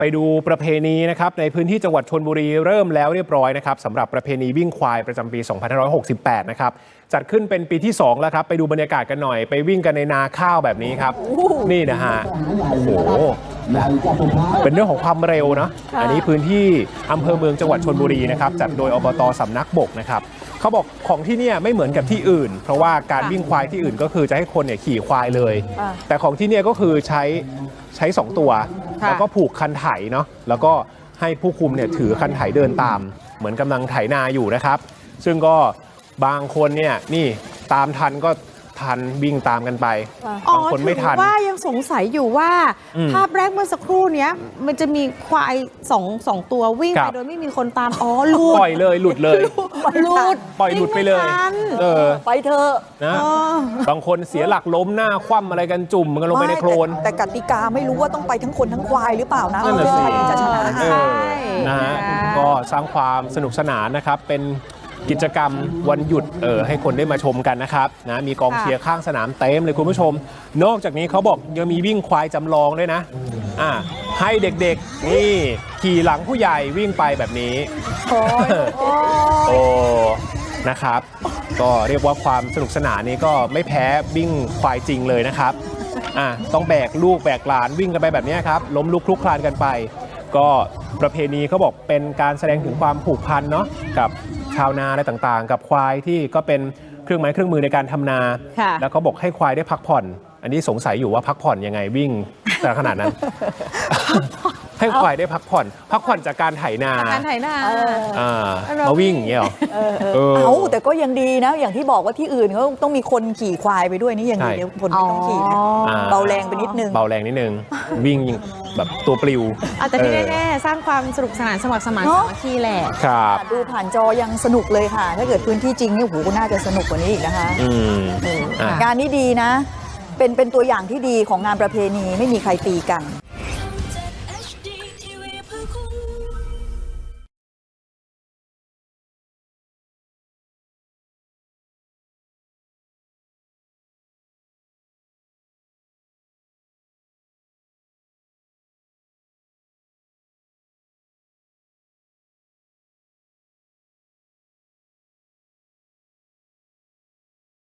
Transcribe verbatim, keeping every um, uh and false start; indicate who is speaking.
Speaker 1: ไปดูประเพณีนะครับในพื้นที่จังหวัดชลบุรีเริ่มแล้วเรียบร้อยนะครับสำหรับประเพณีวิ่งควายประจำปี สองพันห้าร้อยหกสิบแปด นะครับจัดขึ้นเป็นปีที่สองแล้วครับไปดูบรรยากาศกันหน่อยไปวิ่งกันในนาข้าวแบบนี้ครับนี่นะฮะโอ้โหเป็นเรื่องของความเร็วนะอันนี้พื้นที่อำเภอเมืองจังหวัดชลบุรีนะครับจัดโดยอบต.สำนักบกนะครับเขาบอกของที่นี่ไม่เหมือนกับที่อื่นเพราะว่าการวิ่งควายที่อื่นก็คือจะให้คนเนี่ยขี่ควายเลยแต่ของที่นี่ก็คือใช้ใช้สองตัวแล้วก็ผูกคันไถเนาะแล้วก็ให้ผู้คุมเนี่ยถือคันไถเดินตามเหมือนกำลังไถนาอยู่นะครับซึ่งก็บางคนเนี่ยนี่ตามทันก็ทันวิ่งตามกันไปบางคนไม่ทัน
Speaker 2: ว่ายังสงสัยอยู่ว่าภาพแรกเมื่อสักครู่นี้มันจะมีควายสองสองตัววิ่งไปโดยไม่มีคนตามอ๋อหลุด
Speaker 1: ปล่อยเลยหลุดเลย
Speaker 2: หลุด
Speaker 1: ปล่อยหลุดไปเลยเออ
Speaker 3: ไปเถอะ
Speaker 1: นะบางคนเสียหลักล้มหน้าคว่ำอะไรกันจุ่มกันลงไปในโคลน
Speaker 3: แต่กติกาไม่รู้ว่าต้องไปทั้งคนทั้งควายหรือเปล่านะ
Speaker 1: นั่นแหละสิ
Speaker 3: จะชนะ
Speaker 1: ใช่นะฮะก็สร้างความสนุกสนานนะครับเป็นกิจกรรมวันหยุดเออให้คนได้มาชมกันนะครับนะมีกองเชียร์ข้างสนามเต็มเลยคุณผู้ชมนอกจากนี้เขาบอกยังมีวิ่งควายจำลองด้วยนะอ่าให้เด็กๆนี่ขี่หลังผู้ใหญ่วิ่งไปแบบนี้โอ้นะครับก็เรียกว่าความสนุกสนานนี้ก็ไม่แพ้วิ่งควายจริงเลยนะครับอ่าต้องแบกลูกแบกหลานวิ่งกันไปแบบนี้ครับล้มลุกคลุกคลานกันไปก็ประเพณีเขาบอกเป็นการแสดงถึงความผูกพันเนาะกับชาวนาอะไรต่างๆกับควายที่ก็เป็นเครื่องไม้เครื่องมือในการทำนาแล้วเขาบอกให้ควายได้พักผ่อนอันนี้สงสัยอยู่ว่าพักผ่อนยังไงวิ่งแต่ขนาดนั้น ให้ควายได้พักผ่อนพักผ่อนจากการไถนา
Speaker 2: การไถนา
Speaker 1: มาวิ่งอย่างเงี้ยหรอ
Speaker 3: เอาแต่ก็ยังดีนะอย่างที่บอกว่าที่อื่นเขาต้องมีคนขี่ควายไปด้วยนี่ยังดีเดี๋ยวคนไม่ต้องขี่นะเบาแรงไปนิดนึง
Speaker 1: เบาแรงนิดนึงวิ่งแบบตัวปลิว
Speaker 2: แต่ที่แน่ๆสร้างความสนุกสนานสมัครสมานสามัคคีแหละ
Speaker 1: ครับ
Speaker 3: ดูผ่านจอยังสนุกเลยค่ะถ้าเกิดพื้นที่จริงนี่โหน่าจะสนุกกว่านี้อีกนะคะงานนี้ดีนะเป็นเป็นตัวอย่างที่ดีของงานประเพณีไม่มีใครตีกัน